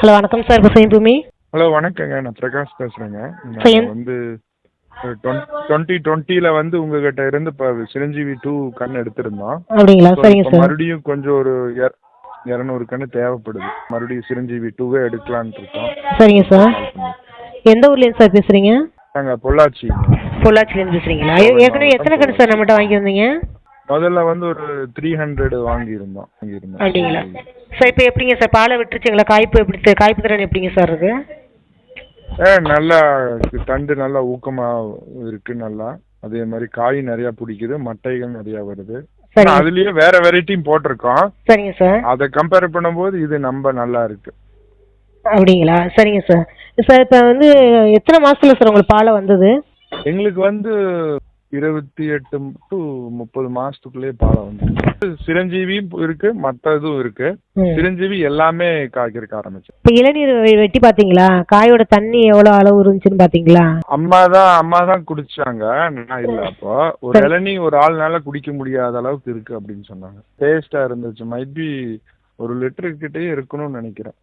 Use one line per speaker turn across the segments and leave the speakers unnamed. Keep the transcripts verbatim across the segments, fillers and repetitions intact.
Hello வணக்கம் sir, பசுமை பூமி.
ஹலோ வணக்கங்க, நான் பிரகாஷ் பேசுகிறேங்க.
சரி.
நான் வந்து டுவெண்ட்டி டுவெண்ட்டியில் வந்து உங்ககிட்ட இருந்து இப்போ சிரஞ்சீவி டூ கண் எடுத்திருந்தோம்.
அப்படிங்களா? சரிங்க
இப்போ
சார்.
மறுபடியும் கொஞ்சம் ஒரு இர- இரநூறு கண்ணு தேவைப்படுது. மறுபடியும் சிரஞ்சீவி டூவே எடுக்கலான்ட்டு இருக்கோம்.
சரிங்க சார். எந்த ஊர்லேருந்து சார் பேசுகிறீங்க?
நாங்கள் பொள்ளாச்சி.
பொள்ளாச்சிலேருந்து பேசுகிறீங்களா? ஏற்கனவே எத்தனை கணக்கு சார் நம்மகிட்ட வாங்கி வந்தீங்க?
முதல்ல வந்து ஒரு த்ரீ ஹண்ட்ரட் வாங்கியிருந்தோம் வாங்கியிருந்தோம்
அப்படிங்களா சார்? இப்போ எப்படிங்க சார், பாலை விட்டுருச்சுங்களா? காய்ப்பு எப்படி சார், காய்ப்பு திறன் எப்படிங்க சார் இருக்கு?
ஏ நல்லா தண்டு நல்லா ஊக்கமாக இருக்கு. நல்லா அதே மாதிரி காய் நிறையா பிடிக்குது, மட்டைகள் நிறையா வருது.
சரி.
அதுலயே வேற வெரைட்டியும் போட்டிருக்கோம்.
சரிங்க சார்.
அதை கம்பேர் பண்ணும்போது இது நம்ம நல்லா இருக்கு.
அப்படிங்களா? சரிங்க சார். சார் இப்போ வந்து எத்தனை மாசத்துல சார் உங்களுக்கு பாலை வந்தது?
எங்களுக்கு வந்து இருபத்தி எட்டு டு முப்பது மாசத்துக்குள்ளேயே பாலை வந்து சிரஞ்சீவியும் இருக்கு, மற்ற இதுவும் இருக்கு.
ம்.
சிரஞ்சீவி எல்லாமே காய்கறக்க ஆரம்பிச்சு.
இப்போ இளநீர் வெ- வெட்டி பார்த்தீங்களா? காயோட தண்ணி எவ்வளோ அளவு இருந்துச்சுன்னு பார்த்தீங்களா?
அம்மா தான் அம்மா தான் குடிச்சாங்க, நான் இல்லை. அப்போ ஒரு
சரி.
இளநீ ஒரு ஆள்னால குடிக்க முடியாத அளவுக்கு இருக்கு அப்படின்னு சொன்னாங்க. டேஸ்டா இருந்துச்சு. மைபி ஒரு லிட்டரு கிட்டே இருக்கணும்னு நினைக்கிறேன்.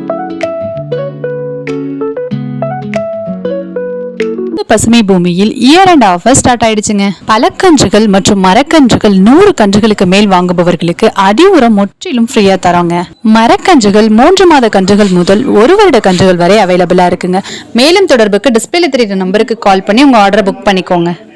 பசுமை பூமியில் இயர் அண்ட் ஆஃபர் ஸ்டார்ட் ஆயிடுச்சுங்க. பழக்கன்றுகள் மற்றும் மரக்கன்றுகள் நூறு கன்றுகளுக்கு மேல் வாங்குபவர்களுக்கு அடி உரம் முற்றிலும் ஃப்ரீயா தரோங்க. மரக்கன்றுகள் மூன்று மாத கன்றுகள் முதல் ஒரு வருட கன்றுகள் வரை அவைலபிளா இருக்குங்க. மேலும் தொடர்புக்கு டிஸ்பிளே தெரியுற நம்பருக்கு கால் பண்ணி உங்க ஆர்டரை புக் பண்ணிக்கோங்க.